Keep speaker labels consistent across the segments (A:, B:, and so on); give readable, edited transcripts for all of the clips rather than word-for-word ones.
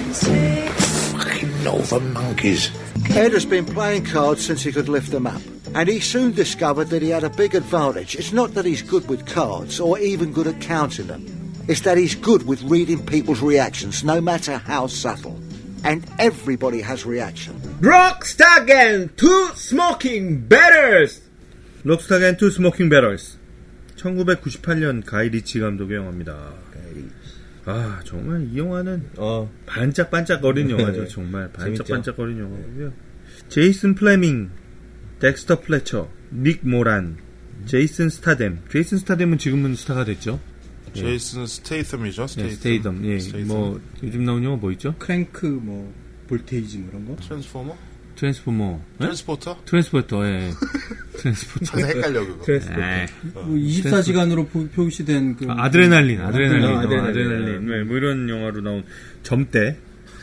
A: Fucking northern monkeys.
B: Ed has been playing cards since he could lift them up, and he soon discovered that he had a big advantage. It's not that he's good with cards or even good at counting them. It's that he's good with reading people's reactions, no matter how subtle. And everybody has reaction.
C: 록스타 앤 투 스모킹 배럴스.
D: 록스타 앤 투 스모킹 배럴스. 1998년 가이 리치 감독의 영화입니다. 아, 정말 이 영화는 반짝반짝거린 영화죠. 정말 반짝반짝거린 영화고요. 제이슨 플레밍, 덱스터 플래처, 닉 모란, 제이슨 스타뎀. 제이슨 스타뎀은 지금은 스타가 됐죠.
E: 제이슨 스테이텀이죠.
D: 스테이텀. 예.
E: 스테이텀.
D: 뭐 요즘 나온 영화 뭐 있죠?
C: 크랭크 뭐 볼테이지 뭐 이런 거.
E: 트랜스포머.
D: 네? 트랜스포터. 예. 트랜스포터.
E: 항상 헷갈려 그거.
C: 뭐 24시간으로 표시된 그
D: 아드레날린. 네, 뭐 이런 영화로 나온 점대.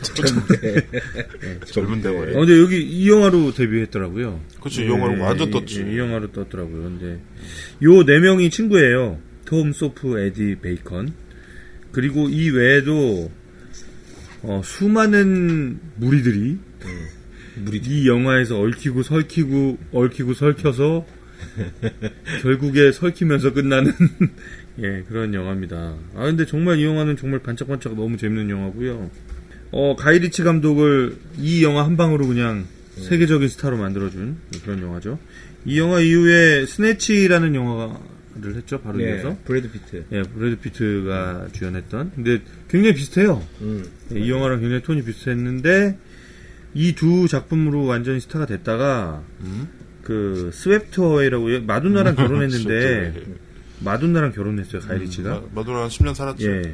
E: 젊은 대머리.
D: 근데 여기 이 영화로 데뷔했더라고요.
E: 그렇지, 이 영화로 완전 떴지.
D: 이 영화로 떴더라고요. 근데 요 네 명이 친구예요. 톰, 소프, 에디, 베이컨. 그리고 이 외에도 수많은 무리들이 이 영화에서 얽히고 설켜서 결국에 설키면서 끝나는 예, 그런 영화입니다. 아, 근데 정말 이 영화는 정말 반짝반짝 너무 재밌는 영화고요. 가이 리치 감독을 이 영화 한 방으로 그냥 세계적인 스타로 만들어준 그런 영화죠. 이 영화 이후에 스네치라는 영화를 했죠. 바로 이어서.
C: 브래드 피트.
D: 예, 브래드 피트가 주연했던. 근데 굉장히 비슷해요. 예, 이 영화랑 굉장히 톤이 비슷했는데 이 두 작품으로 완전히 스타가 됐다가 그 스웨프트 어웨이라고 마돈나랑 결혼했는데 마돈나랑 결혼했어요. 가이 리치가.
E: 마돈나랑 10년 살았죠.
D: 예.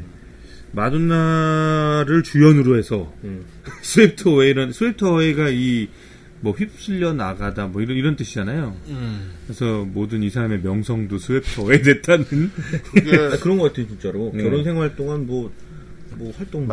D: 마돈나를 주연으로 해서 스웨프트 어웨이가 이 뭐 휩쓸려 나가다 뭐 이런 뜻이잖아요. 그래서 모든 이 사람의 명성도 스웨프트 어웨이 됐다는
C: 그게 그런 것 같아요, 진짜로. 결혼 생활 동안 뭐 활동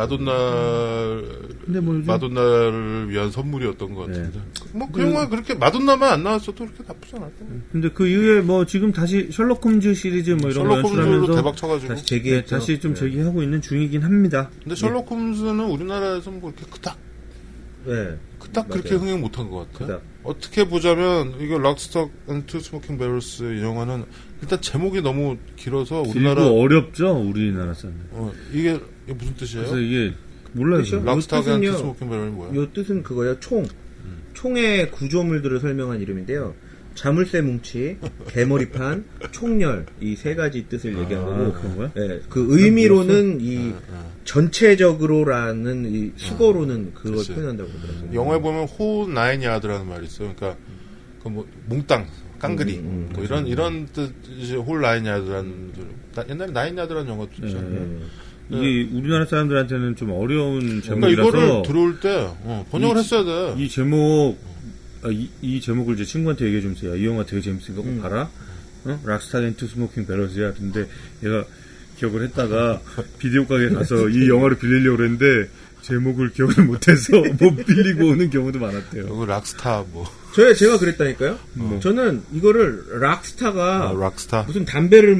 E: 마돈나를 위한 선물이었던 것 같은데. 뭐 그 영화 그렇게 마돈나만 안 나왔어도 그렇게 나쁘지 않았다.
D: 근데 그 이후에 뭐 지금 다시 셜록 홈즈 시리즈 뭐 이런 거 연출하면서
E: 대박 쳐가지고
D: 다시 좀 재기하고 있는 중이긴 합니다.
E: 근데 셜록 홈즈는 우리나라에서 뭐 이렇게 그닥 그렇게 흥행 못한 것 같아. 어떻게 보자면 이거 록스타 앤 투 스모킹 배럴스 이 영화는 일단 제목이 너무 길어서 우리나라
D: 어렵죠. 우리나라 사람.
E: 이게 무슨 뜻이에요?
D: 그래서 이게 몰라요.
E: 록스타 앤 투 스모킹 배럴이 뭐야?
C: 요 뜻은 그거예요. 총의 구조물들을 설명한 이름인데요. 자물쇠 뭉치, 개머리판, 총열 이 세 가지 뜻을 얘기한 거고.
D: 그런 거야?
C: 네, 그 의미로는 이 전체적으로라는 이 수거로는 그걸 표현한다고 그러더라고요.
E: 영화에 보면 호 나인 야드라는 말이 있어요. 그러니까 그 뭐 몽땅 깡그리 뭐 이런 뜻이 홀 나인 야드라는 옛날에 나인 야드라는 영화도 있잖아요.
D: 이게 우리나라 사람들한테는 좀 어려운
E: 그러니까
D: 제목이라서
E: 이거를 들어올 때 번역을 했어야 돼.
D: 이 제목 이 제목을 이제 친구한테 얘기해 주면서 이 영화 되게 재밌으니까 꼭 봐라. 록스타 앤 투 스모킹 배럴스야. 근데 얘가 기억을 했다가 비디오 가게 가서 이 영화를 빌리려고 그랬는데 제목을 기억을 못해서 못 빌리고 오는 경우도 많았대요.
E: 이거 록스타 뭐.
C: 제가 그랬다니까요. 저는 이거를 록스타가
E: 록스타
C: 무슨 담배를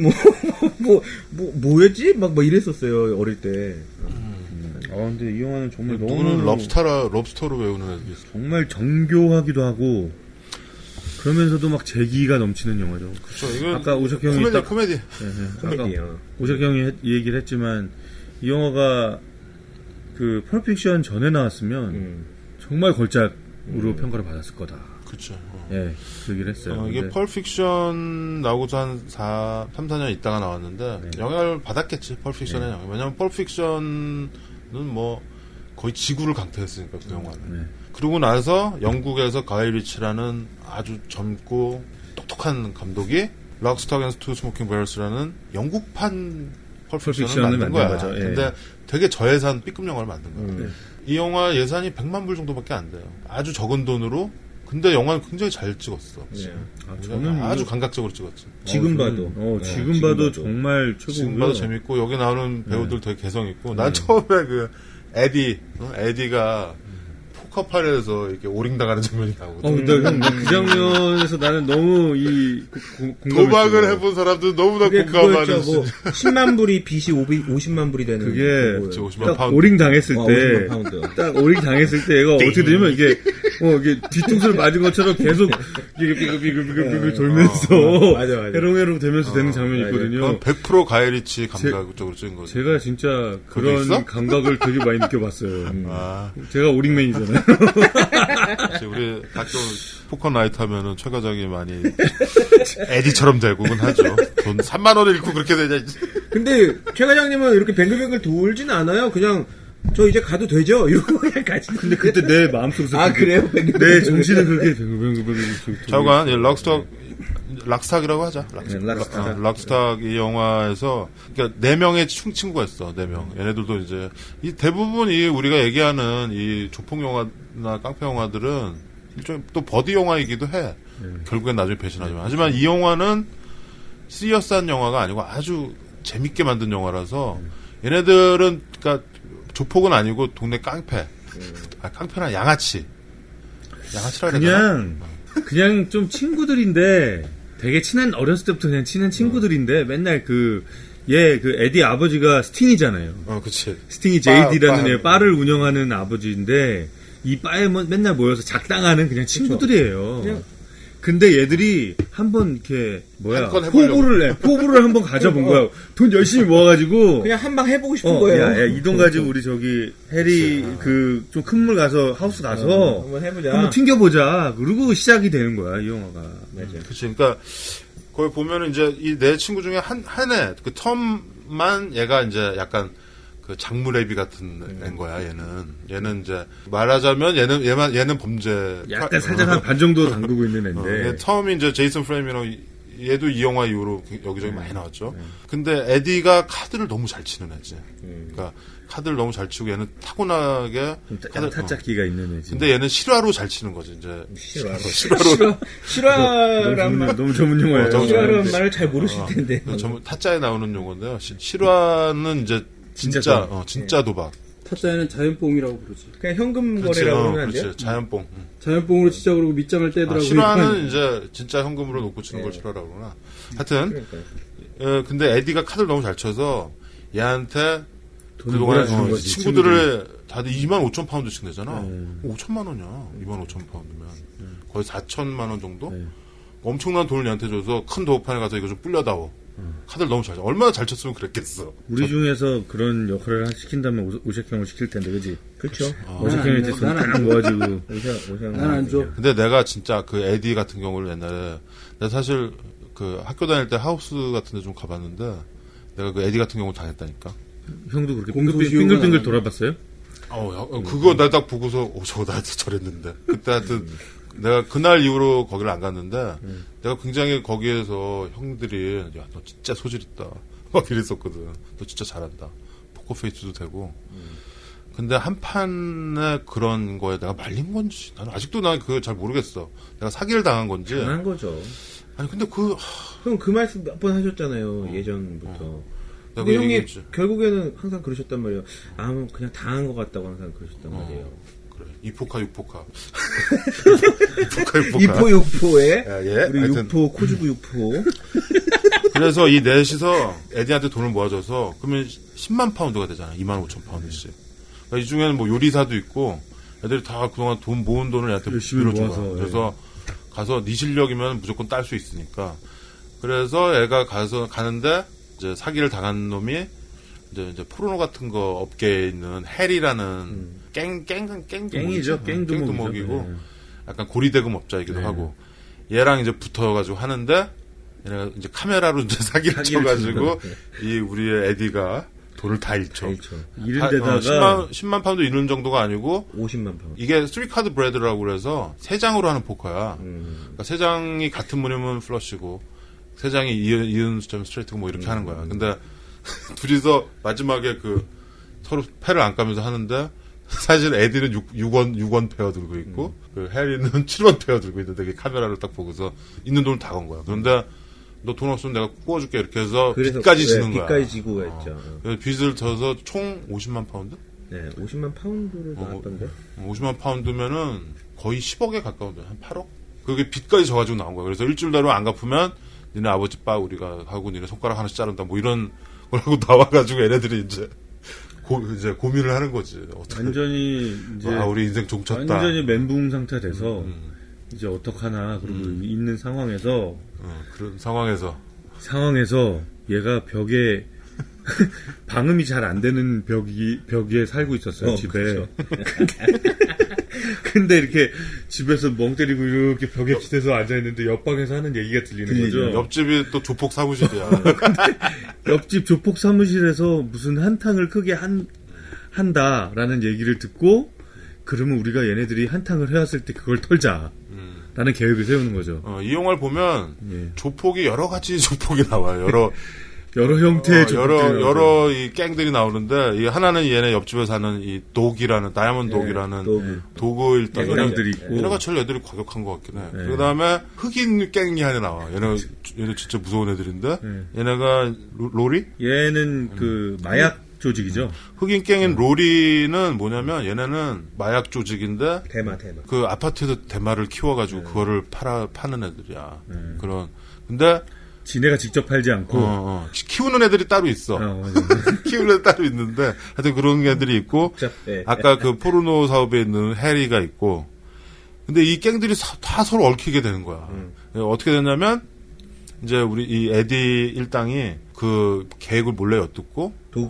C: 뭐였지? 막 이랬었어요 어릴 때.
D: 근데 이 영화는 정말
E: 누구는 럽스터로 외우는 애들이 있어.
D: 정말 정교하기도 하고 그러면서도 막 재기가 넘치는 영화죠.
E: 그렇죠.
D: 아까 오석 형이
E: 코미디.
C: 코미디요.
D: 오석 형이 얘기를 했지만 이 영화가 그 펄픽션 전에 나왔으면 정말 걸작으로 평가를 받았을 거다.
E: 그렇죠.
D: 예, 그 얘기를 했어요.
E: 이게 펄픽션 나오고서 한 3, 4년 있다가 나왔는데 영향을 받았겠지. 펄픽션의 영향. 왜냐면 펄픽션은 뭐 거의 지구를 강타했으니까 그 영화는. 그러고 나서 영국에서 가이 리치라는 아주 젊고 똑똑한 감독이 록스타 앤 투 스모킹 배럴스라는 영국판 펄픽션을 만든 거야.
D: 거죠.
E: 근데 되게 저예산 B급 영화를 만든 거야. 이 영화 예산이 100만 불 정도밖에 안 돼요. 아주 적은 돈으로. 근데 영화는 굉장히 잘 찍었어.
D: 저는
E: 아주 감각적으로 찍었지.
C: 지금 봐도.
D: 지금 봐도 정말 최고고요.
E: 지금 봐도 재밌고 여기 나오는 배우들 되게 개성 있고 난 처음에 그 에디가 카카오팔에서 이렇게 오링 당하는 장면이 나오거든.
D: 그 장면에서 나는 너무
E: 도박을 해본 사람들 너무나 공감하는.
C: 뭐 10만 불이 빚이 50만 불이 되는.
D: 그게
E: 50만 파운드.
D: 오링 당했을 때,
C: 50만 파운드.
D: 딱 오링 당했을 때 얘가 어떻게 되냐면 이게 뒤통수를 맞은 것처럼 계속 비글비글 돌면서
C: 맞아.
D: 해롱해롱 되면서 되는 장면이 있거든요.
E: 100% 가이리치 감각적으로 찍은 거죠.
D: 제가 진짜
E: 그거 있어?
D: 그런 감각을 되게 많이 느껴봤어요.
E: 아,
D: 제가 오링맨이잖아요.
E: 우리 가끔 포커 나이트 하면은 최 과장이 많이 에디처럼 되고는 하죠. 돈 3만 원을 잃고 그렇게 되냐.
C: 근데 최 과장님은 이렇게 뱅글뱅글 돌진 않아요. 그냥 저 이제 가도 되죠? 이러고 그냥 가시는데.
D: 근데 그때 내 마음속에서
C: 그래요?
D: 내 정신은 그렇게 뱅글뱅글
E: 좌우간 락스탁이라고 하자.
C: 락스탁.
E: 락스탁 이 영화에서 그러니까 4명의 친구가 있어. 4명. 얘네들도 이제 이 대부분 이 우리가 얘기하는 이 조폭 영화나 깡패 영화들은 일종의 또 버디 영화이기도 해. 결국엔 나중에 배신하지만. 하지만 이 영화는 시리어스한 영화가 아니고 아주 재밌게 만든 영화라서 얘네들은 그러니까 조폭은 아니고 동네 깡패. 깡패나 양아치라 그래야 되나?
D: 그냥 좀 친구들인데 되게 어렸을 때부터 그냥 친한 친구들인데 맨날 그 에디 아버지가 스팅이잖아요.
E: 그치.
D: 스팅이 JD라는 바를 운영하는 아버지인데 이 바에 맨날 모여서 작당하는 그냥 친구들이에요. 근데 얘들이 한번 이렇게 포부를 한번 가져본 거야. 돈 열심히 모아가지고
C: 그냥 한 방 해보고 싶은 거예요.
D: 야, 이 돈 가지고 우리 저기 해리 좀 큰 물 가서 하우스 가서
C: 한번 해보자.
D: 한번 튕겨보자. 그리고 시작이 되는 거야 이 영화가.
C: 맞아.
E: 그치. 그러니까 거기 보면은 이제 이 내 친구 중에 한 애 그 텀만 얘가 이제 약간 그 장무레비 같은 애인 거야. 얘는 이제 말하자면 얘는 범죄
D: 약간 살짝 한 반 정도 담그고 있는 애인데
E: 텀이 이제 제이슨 프레임이랑 얘도 이 영화 이후로 여기저기 많이 나왔죠. 근데 에디가 카드를 너무 잘 치는 애지. 그러니까 카드를 너무 잘 치고 얘는 타고나게
D: 카드 타짜기가 있는 애지.
E: 근데 얘는 실화로 잘 치는 거지. 이제
C: 실화란 말
D: 너무 전문 용어예요.
C: 실화란 말을 잘 모르실 텐데.
E: 타짜에 나오는 용어인데요. 실화는 이제 진짜 도박.
F: 타짜에는 자연뽕이라고 부르지.
C: 그냥 현금 거래라고 그러면 안 돼요?
E: 그렇지. 자연뽕.
F: 자연뽕으로 진짜 그러고 밑장을 떼더라고요.
E: 실화는 이제 진짜 현금으로 놓고 치는 걸 실화라고 그러나. 하여튼 근데 에디가 카드를 너무 잘 쳐서 얘한테 그동안 친구들을 다들 2만 5천 파운드씩 내잖아. 5천만 원이야. 2만 5천 파운드면 거의 4천만 원 정도. 엄청난 돈을 얘한테 줘서 큰 도박판에 가서 이거 좀 불려다오. 카드를 너무 잘 쳐. 얼마나 잘 쳤으면 그랬겠어.
D: 우리 중에서 그런 역할을 시킨다면 오색형을 시킬 텐데, 그지?
C: 그렇죠.
D: 오색형이 이제 손딱 모아지고.
F: 난 안 줘.
E: 근데 내가 진짜 그 에디 같은 경우를 옛날에 내가 사실 그 학교 다닐 때 하우스 같은 데 좀 가봤는데 내가 그 에디 같은 경우 당했다니까.
D: 형도 그렇게 빙글빙글 돌아봤어요?
E: 그거 나 딱 보고서 저거 나한테 저랬는데. 그때 하여튼 내가 그날 이후로 거기를 안 갔는데 내가 굉장히 거기에서 형들이 야, 너 진짜 소질 있다 막 이랬었거든. 너 진짜 잘한다. 포커페이스도 되고. 근데 한 판에 그런 거에 내가 말린 건지 나는 아직도 난 그거 잘 모르겠어. 내가 사기를 당한 건지.
C: 당한 거죠.
E: 아니 근데
C: 형 그 말씀 몇 번 하셨잖아요. 예전부터. 근데
E: 그
C: 형이
E: 얘기했지.
C: 결국에는 항상 그러셨단 말이에요. 그냥 당한 것 같다고 항상 그러셨단 말이에요.
E: 그래. 2포카 6포카.
C: 2포 6포에
E: 예.
C: 우리
E: 하여튼
C: 6포 코주구 6포.
E: 그래서 이 넷이서 에디한테 돈을 모아줘서 그러면 10만 파운드가 되잖아. 2만 5천 파운드씩. 그러니까 이 중에는 뭐 요리사도 있고 애들이 다 그동안 돈 모은 돈을 얘한테 빌려준 거야. 그래서 가서 네 실력이면 무조건 딸 수 있으니까. 그래서 애가 가는데 이제 사기를 당한 놈이 이제 포르노 같은 거 업계에 있는 해리라는
D: 깽이죠.
E: 깽두목이고 약간 고리대금 업자이기도 하고 얘랑 이제 붙어가지고 하는데 얘네가 이제 카메라로 이제 사기를 쳐가지고 이 우리의 에디가 돈을 다 잃죠.
D: 잃은 데다가
E: 10만 파운드 잃는 정도가 아니고
C: 50만 파운드.
E: 이게 3카드 브레드라고 그래서 3장으로 하는 포커야. 그러니까 3장이 같은 무늬면 플러시고 3장이 이은 숫자면 스트레이트고 뭐 이렇게 하는 거야. 근데 둘이서 마지막에 그 서로 패를 안 까면서 하는데 사실 에디는 6원 페어 들고 있고 그 해리는 7원 페어 들고 있는데 카메라를 딱 보고서 있는 돈을 다 건 거야. 그런데 너 돈 없으면 내가 구워줄게 이렇게 해서 빚까지 지는 거야.
C: 빚까지 지고 했죠.
E: 그래서 빚을 져서 총 50만 파운드?
C: 네, 50만 파운드로 나왔던데.
E: 50만 파운드면은 거의 10억에 가까운데 한 8억? 그게 빚까지 져가지고 나온 거야. 그래서 일주일 내로 안 갚으면 니네 아버지 빠 우리가 하고 니네 손가락 하나씩 자른다 뭐 이런 거라고 나와가지고 얘네들이 이제 고민을 하는 거지. 어떻게
D: 완전히 이제
E: 우리 인생 종쳤다.
D: 완전히 멘붕 상태 돼서 이제 어떡하나 그러고 있는 상황에서
E: 그런 상황에서
D: 얘가 벽에 방음이 잘 안 되는 벽에 살고 있었어요, 집에.
C: 그렇죠.
D: 근데 이렇게 집에서 멍 때리고 이렇게 벽에 기대서 앉아있는데 옆방에서 하는 얘기가 들리는 거죠.
E: 옆집이 또 조폭 사무실이야.
D: 옆집 조폭 사무실에서 무슨 한탕을 크게 한다라는 얘기를 듣고, 그러면 우리가 얘네들이 한탕을 해왔을 때 그걸 털자. 라는 계획을 세우는 거죠.
E: 이 영화를 보면
D: 예.
E: 조폭이 여러 가지 조폭이 나와요.
D: 여러 형태의 조폭들이
E: 여러 이 갱들이 나오는데, 이 하나는 얘네 옆집에 사는 이 독이라는, 다이아몬드 독이라는 도구 일단
D: 애들이 있고.
E: 얘네가 제일 애들이 과격한 것 같긴 해. 그 다음에 흑인 갱이 하나 나와. 얘네 진짜 무서운 애들인데, 얘네가 로리?
D: 얘는 그 마약 조직이죠.
E: 흑인 갱인 로리는 뭐냐면 얘네는 마약 조직인데,
C: 대마.
E: 그 아파트에서 대마를 키워가지고 그거를 파는 애들이야. 근데
D: 지네가 직접 팔지 않고
E: 키우는 애들이 따로 있어. 키우는 애들 따로 있는데 하여튼 그런 애들이 있고 아까 그 포르노 사업에 있는 해리가 있고 근데 이 갱들이 다 서로 얽히게 되는 거야. 어떻게 됐냐면 이제 우리 이 에디 일당이 그 계획을 몰래 엿듣고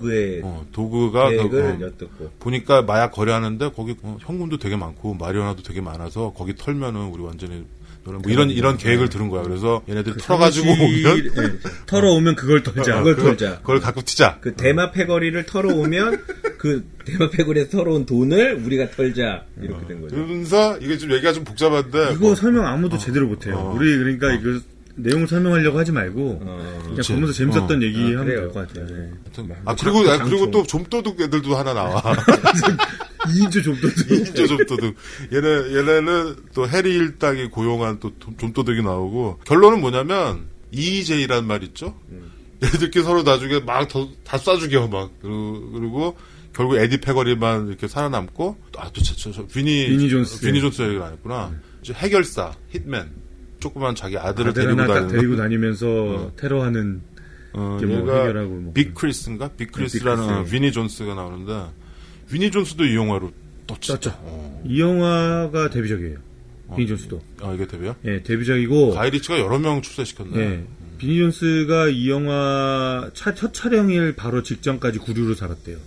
E: 도구가
C: 계획을 엿듣고
E: 보니까 마약 거래하는데 거기 현금도 되게 많고 마리화나도 되게 많아서 거기 털면은 우리 완전히 뭐 이런 계획을 들은 거야. 그래서 얘네들 그 털어가지고 오면
D: 털어오면 그걸 털자.
E: 그걸 갖고 튀자.
C: 그 대마 패거리를 털어오면 그 대마 패거리에서 털어온 돈을 우리가 털자 이렇게 된 거죠.
E: 그러면서 이게 좀 얘기가 좀 복잡한데
D: 이거 설명 아무도 제대로 못해요. 우리 그러니까 이거 내용을 설명하려고 하지 말고 그냥 보면서 재밌었던 얘기하면 될 것 같아요. 네.
E: 그리고 또 좀도둑 애들도 하나 나와.
D: 2인조 좀도둑.
E: 2인조 좀도둑. 얘네는 또 해리 일당이 고용한 또 좀도둑이 나오고 결론은 뭐냐면 EJ란 말 있죠. 얘들끼리 서로 나중에 막 다 쏴죽여 막 그리고 결국 에디 패거리만 이렇게 살아남고 비니 존스 얘기를 안 했구나. 이제 해결사 hitman. 조그만 자기 아들을
D: 데리고 다니면서 테러하는 뭐 해결하고 뭐.
E: 빅크리스인가? 빅크리스라는 비니 존스가 나오는데 비니 존스도 이 영화로 떴죠.
D: 이 영화가 데뷔작이에요. 비니 존스도.
E: 이게 데뷔야?
D: 네, 데뷔작이고
E: 가이리치가 여러 명 출세시켰네.
D: 네. 비니 존스가 이 영화 첫 촬영일 바로 직전까지 구류로 살았대요.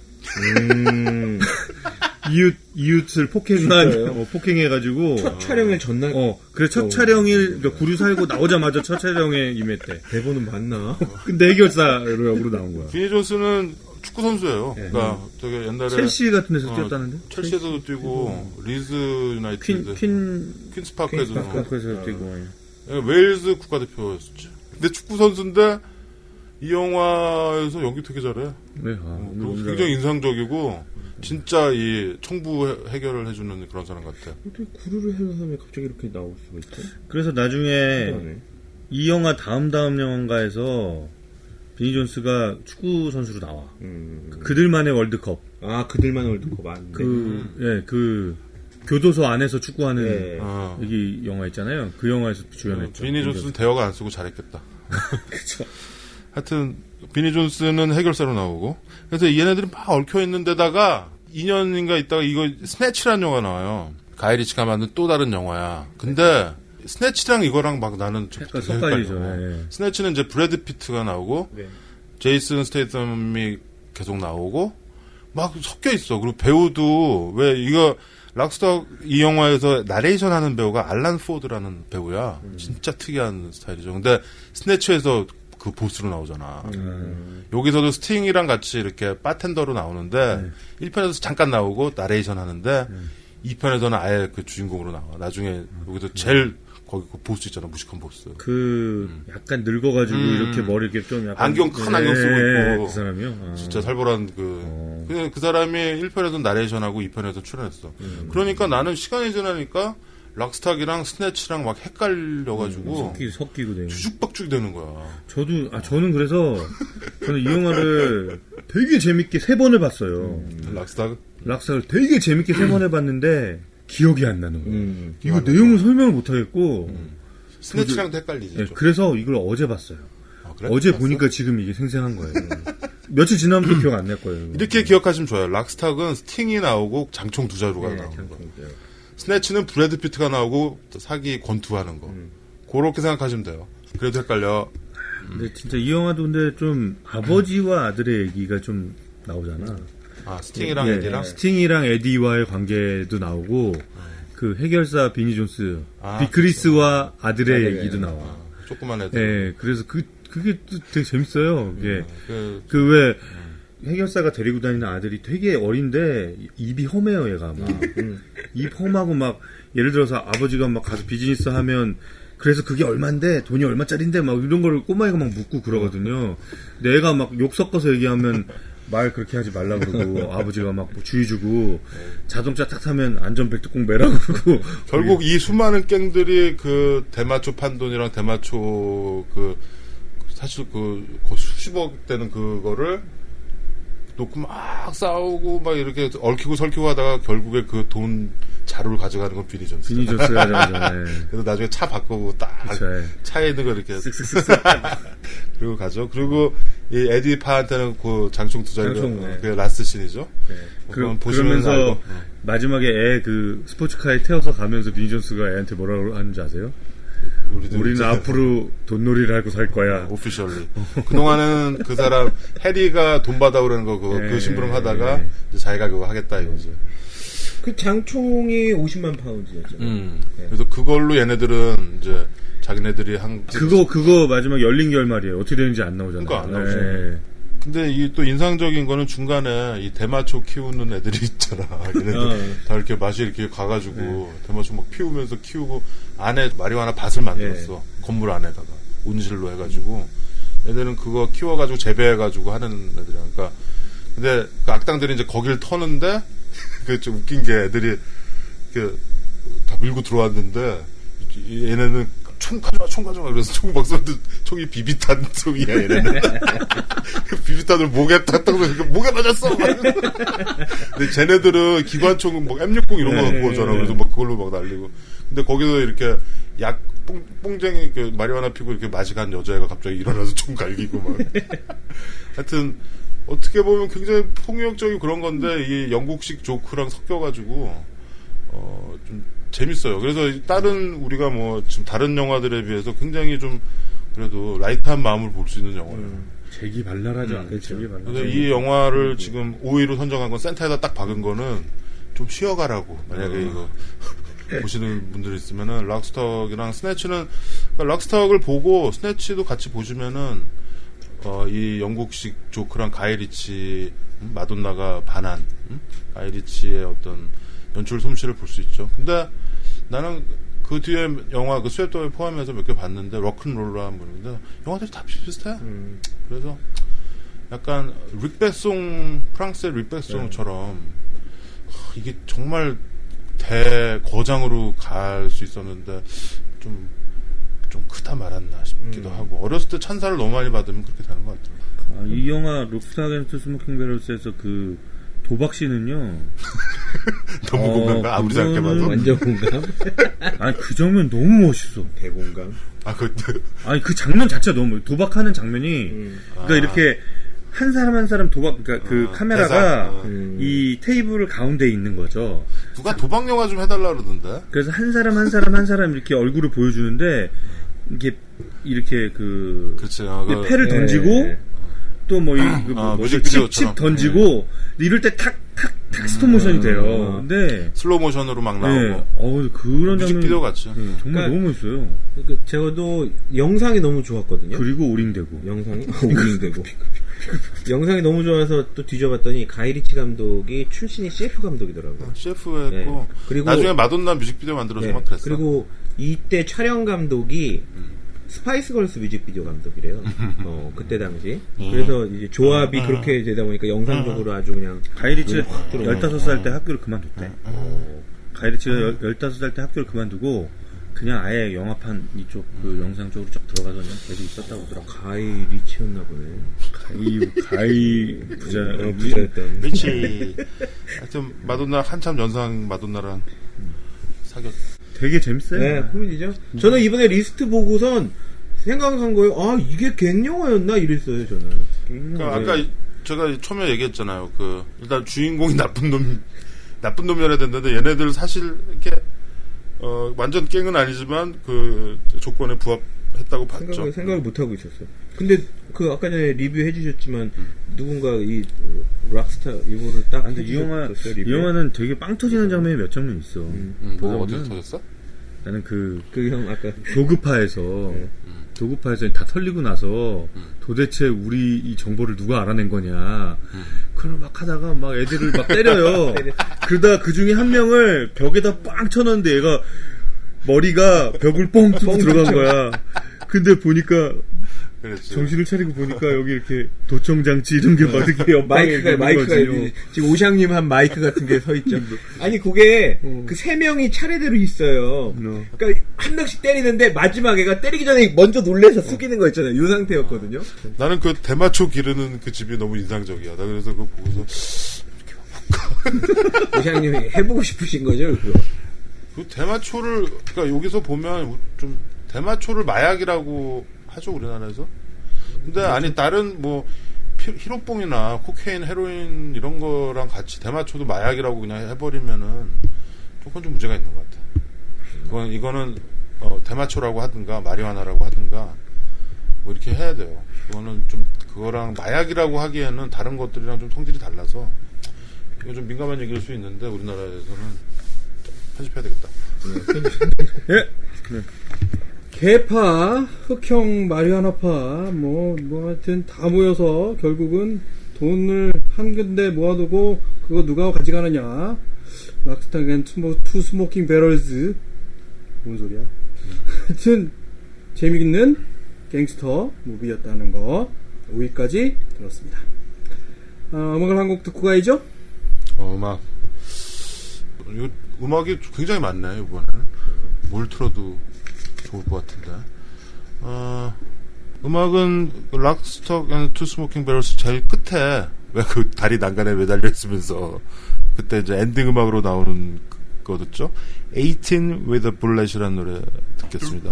D: 이웃을 폭행해가지고.
C: 첫 촬영일 전날?
D: 그래, 첫 촬영일, 그러니까 구류 살고 나오자마자 첫 촬영에 임했대.
C: 대본은 맞나?
D: 근데 해결사로 나온 거야.
E: 비니 존스는 축구선수예요. 네. 그러니까 되게 옛날에.
D: 첼시 같은 데서 뛰었다는데?
E: 첼시에서도 뛰고, 리즈 유나이티드.
D: 퀸스파크에서 뛰고.
E: 웨일즈 국가대표였었지. 근데 축구선수인데, 이 영화에서 연기 되게 잘해.
D: 네,
E: 굉장히 인상적이고, 진짜 이 청부 해결을 해주는 그런 사람 같아.
C: 어떻게 구루를 해서 하면 갑자기 이렇게 나올 수가 있지?
D: 그래서 나중에 이 영화 다음 영화에서 비니 존스가 축구 선수로 나와. 그들만의 월드컵.
C: 그들만의 월드컵 맞네.
D: 그 교도소 안에서 축구하는 여기 영화 있잖아요. 그 영화에서 주연했죠.
E: 비니 존스는 대화가 안 쓰고 잘했겠다.
C: 그쵸.
E: 하여튼 비니 존스는 해결사로 나오고 그래서 얘네들이 막 얽혀 있는 데다가 2년인가 있다가 이거 스네치라는 영화 나와요. 가이리치가 만든 또 다른 영화야. 근데 스네치랑 이거랑 막 나는
D: 헷갈리죠.
E: 스네치는 이제 브래드 피트가 나오고 제이슨 스테이텀이 계속 나오고 막 섞여 있어. 그리고 배우도 왜 이거 락스터 이 영화에서 나레이션 하는 배우가 알란 포드라는 배우야. 진짜 특이한 스타일이죠. 근데 스네치에서 그 보스로 나오잖아. 여기서도 스팅이랑 같이 이렇게 바텐더로 나오는데 1편에서 잠깐 나오고 나레이션 하는데 2편에서는 아예 그 주인공으로 나와. 나중에 여기서 제일 거기 그 보스 있잖아. 무식한 보스.
D: 약간 늙어가지고 이렇게 머리 이렇게 좀 약간
E: 큰 안경 쓰고 있고
D: 그 사람이요.
E: 진짜 살벌한 그 사람이 1편에서 나레이션하고 2편에서 출연했어. 그러니까 나는 시간이 지나니까 락스탁이랑 스네치랑 막 헷갈려가지고
D: 섞이고 되는.
E: 주죽박죽이 되는 거야.
D: 저는 그래서 저는 이 영화를 되게 재밌게 3번을 봤어요. 락스탁을 되게 재밌게 3번을 봤는데 기억이 안 나는 거예요. 이거 내용을 설명을 못 하겠고
E: 스네치랑도 헷갈리지.
D: 네, 그래서 이걸 어제 봤어요.
E: 그래?
D: 어제 보니까 지금 이게 생생한 거예요. 며칠 지나면 또 기억 안 날 거예요.
E: 이렇게 기억하시면 좋아요. 락스탁은 스팅이 나오고 장총 2자루가 나오는 거. 스네치는 브래드 피트가 나오고 사기 권투하는 거. 그렇게 생각하시면 돼요. 그래도 헷갈려.
D: 근데 진짜 이 영화도 근데 좀 아버지와 아들의 얘기가 좀 나오잖아.
E: 스팅이랑 에디랑?
D: 스팅이랑 에디와의 관계도 나오고 그 해결사 비니 존스, 비크리스와 아들의 얘기도 나와.
E: 조그만 애들.
D: 네, 그래서 그게 또 되게 재밌어요. 그게 왜 해결사가 데리고 다니는 아들이 되게 어린데 입이 험해요, 얘가 막. 입 험하고 막 예를 들어서 아버지가 막 가서 비즈니스 하면 그래서 그게 얼만데 돈이 얼마짜린데 막 이런 거를 꼬마애가 막 묻고 그러거든요. 근데 애가 막 욕 섞어서 얘기하면 말 그렇게 하지 말라 그러고 아버지가 막 주의 주고 자동차 탁 타면 안전벨트 꼭 매라고 그러고
E: 결국 이 수많은 갱들이 그 대마초 판돈이랑 대마초 사실 수십억 되는 그거를 놓고 막 싸우고 막 이렇게 얽히고 설키고 하다가 결국에 그 돈 자루를 가져가는 건 비니 존스.
D: 비니 존스가 가져가죠.
E: 그래서 나중에 차 바꾸고 딱
D: 그쵸,
E: 차에 있는 거 이렇게 쓱쓱쓱쓱 그리고 가죠. 그리고 이 에디 파한테는 그 장총 2자루가 그 라스트 씬이죠.
D: 그러면서 마지막에 애 그 스포츠카에 태워서 가면서 비니 존스가 애한테 뭐라고 하는지 아세요? 우리는 앞으로 돈놀이를 하고 살 거야.
E: 오피셜리. 그동안은 그 사람 해리가 돈 받아 그러는 거 그 심부름 하다가 이제 자기가 그거 하겠다 이거지.
C: 그 장총이 50만 파운드였잖아요.
E: 그래서 그걸로 얘네들은 이제 자기네들이
D: 그거 마지막 열린 결말이에요. 어떻게 되는지 안 나오잖아요.
E: 그러니까 안 나오죠. 근데 이 또 인상적인 거는 중간에 이 대마초 키우는 애들이 있잖아. 얘네들 다 이렇게 맛이 이렇게 가가지고 대마초 막 피우면서 키우고 안에 마리화나 밭을 만들었어. 건물 안에다가 온실로 해가지고 애들은 그거 키워가지고 재배해가지고 하는 애들이야. 그러니까 근데 그 악당들이 이제 거길 터는데 그 좀 웃긴 게 애들이 다 밀고 들어왔는데 얘네는 총 가져와 그래서 총 막 쏘는데 총이 비비탄 총이야 얘네는. 비비탄을 목에 탔다고 목에 맞았어. 근데 쟤네들은 기관총은 뭐 M60 이런 거 갖고 오잖아. 그래서 막 그걸로 막 날리고. 근데 거기서 이렇게 뽕쟁이 마리화나 피고 이렇게 마시간 여자애가 갑자기 일어나서 총 갈기고 막. 하여튼 어떻게 보면 굉장히 폭력적인 그런 건데 이 영국식 조크랑 섞여가지고 좀 재밌어요. 그래서 다른 우리가 뭐 지금 다른 영화들에 비해서 굉장히 좀 그래도 라이트한 마음을 볼 수 있는 영화예요.
D: 재기발랄하죠.
E: 그래서 이 영화를 지금 5위로 선정한 건 센터에다 딱 박은 거는 좀 쉬어가라고. 만약에 이거 보시는 분들 있으면은 락스탁이랑 스네치는 락스탁을 보고 스네치도 같이 보시면은 이 영국식 조크랑 가이리치 마돈나가 반한 가이리치의 어떤 연출 솜씨를 볼 수 있죠. 근데 나는 그 뒤에 영화 그 스웨터에 포함해서 몇 개 봤는데 럭큰롤러한 분인데 영화들이 다 비슷해. 그래서 약간 릭베송 프랑스의 릭베송처럼 이게 정말 대거장으로 갈 수 있었는데 좀 크다 말았나 싶기도 하고 어렸을 때 찬사를 너무 많이 받으면 그렇게 되는 것 같아요.
D: 이 영화 록스타 앤 스모킹 배럴스에서 그 도박신은요.
E: 너무 공감가? 아무리 생각해봐도
C: 완전 공감.
D: 아니 그 장면 너무 멋있어.
C: 대공감.
D: 아니 그 장면 자체가 너무 도박하는 장면이 그러니까 이렇게 한 사람 한 사람 도박 그러니까 그 카메라가 이 테이블 가운데 있는 거죠.
E: 누가 도박 영화 좀 해달라 그러던데.
D: 그래서 한 사람 한 사람 한 사람 이렇게 얼굴을 보여주는데 이렇게
E: 그렇지.
D: 패를 던지고 또 뭐 칩 던지고 이럴 때 탁 스톱 모션이 돼요. 근데
E: 슬로우 모션으로 막 나오고.
D: 그런
E: 뮤직비디오 같죠.
D: 정말 너무 멋있어요.
C: 저도 영상이 너무 좋았거든요.
D: 그리고 오링되고.
C: 영상이 오링되고. 영상이 너무 좋아서 또 뒤져봤더니 가이리치 감독이 출신이 CF 감독이더라고요.
E: CF 했고 그리고 나중에 마돈나 뮤직비디오 만들어서 막 그랬어.
C: 그리고 이때 촬영 감독이 스파이스 걸스 뮤직비디오 감독이래요. 그때 당시. 그래서 이제 조합이 그렇게 되다 보니까 영상적으로 아주 그냥
D: 가이리치 15살 때 학교를 그만뒀대. 가이리치가 15살 때 학교를 그만두고 그냥 아예 영화판 이쪽 그 영상 쪽으로 쫙 들어가서 그냥 계속 있었다고 하더라고.
C: 가이 리치였나 보네.
D: 가이 부자
C: 부자였던.
E: 리치. 하여튼 마돈나 한참 연상 마돈나랑 사귀었.
D: 되게 재밌어요.
C: 네, 코미디죠. 저는 이번에 리스트 보고선 생각한 거예요. 아, 이게 갱영화였나 이랬어요, 저는.
E: 그러니까 아까 제가 처음에 얘기했잖아요. 그 일단 주인공이 나쁜 놈이어야 된다는데 얘네들 사실 이렇게 완전 갱은 아니지만 그 조건에 부합했다고 봤죠.
C: 생각을 못 하고 있었어요. 근데 그 아까 전에 리뷰 해주셨지만 누군가 이 락스타 이거를 딱
D: 근데 이 영화는 되게 빵 터지는 장면이 몇 장면 있어.
E: 뭐 어디서 터졌어?
D: 나는
C: 그 형 아까
D: 도구파에서 도구파에서 다 털리고 나서 도대체 우리 이 정보를 누가 알아낸 거냐. 그걸 막 하다가 막 애들을 막 때려요. 그러다 그 중에 한 명을 벽에다 빵 쳐놨는데 얘가 머리가 벽을 뻥 뚫고 들어간 거야. 근데 보니까
E: 그랬지.
D: 정신을 차리고 보니까 여기 이렇게 도청장치 이런 게 막 이렇게
C: 마이크가 지금 오샹님 한 마이크 같은 게 서 있죠. 아니 그게 그 세 명이 차례대로 있어요. 그러니까 한 명씩 때리는데 마지막에가 때리기 전에 먼저 놀래서 숙이는 거 있잖아요. 이 상태였거든요.
E: 나는 그 대마초 기르는 그 집이 너무 인상적이야. 나 그래서 그거 보고서
C: 오샹님이 해보고 싶으신 거죠, 그거.
E: 그 대마초를 그러니까 여기서 보면 좀 대마초를 마약이라고 하죠 우리나라에서. 근데 아니 다른 뭐 히로뽕이나 코케인, 헤로인 이런 거랑 같이 대마초도 마약이라고 그냥 해버리면은 조금 좀 문제가 있는 것 같아. 이거는 대마초라고 하든가 마리화나라고 하든가 뭐 이렇게 해야 돼요. 그거는 좀 그거랑 마약이라고 하기에는 다른 것들이랑 좀 성질이 달라서 이거 좀 민감한 얘기일 수 있는데 우리나라에서는 편집해야 되겠다.
D: 예.
F: 개파, 흑형 마리화나파, 뭐 하여튼 다 모여서 결국은 돈을 한 군데 모아두고 그거 누가 가져가느냐. 락스타 앤 투 스모킹 배럴즈. 뭔 소리야. 하여튼 재미있는 갱스터 무비였다는 거 5위까지 들었습니다. 음악을 한 곡 듣고 가야죠?
E: 음악이 굉장히 많네 이번에는. 뭘 틀어도 좋을 것 같은데. 음악은 락스톡 앤 투 스모킹 배럴스 제일 끝에 왜 그 다리 난간에 매달려 있으면서 그때 이제 엔딩 음악으로 나오는 거 듣죠. 18 with a bullet이라는 노래 듣겠습니다.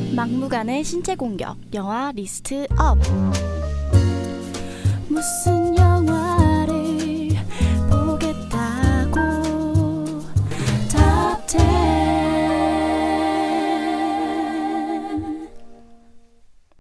G: 막무가내 신체 공격 영화 리스트 업. 무슨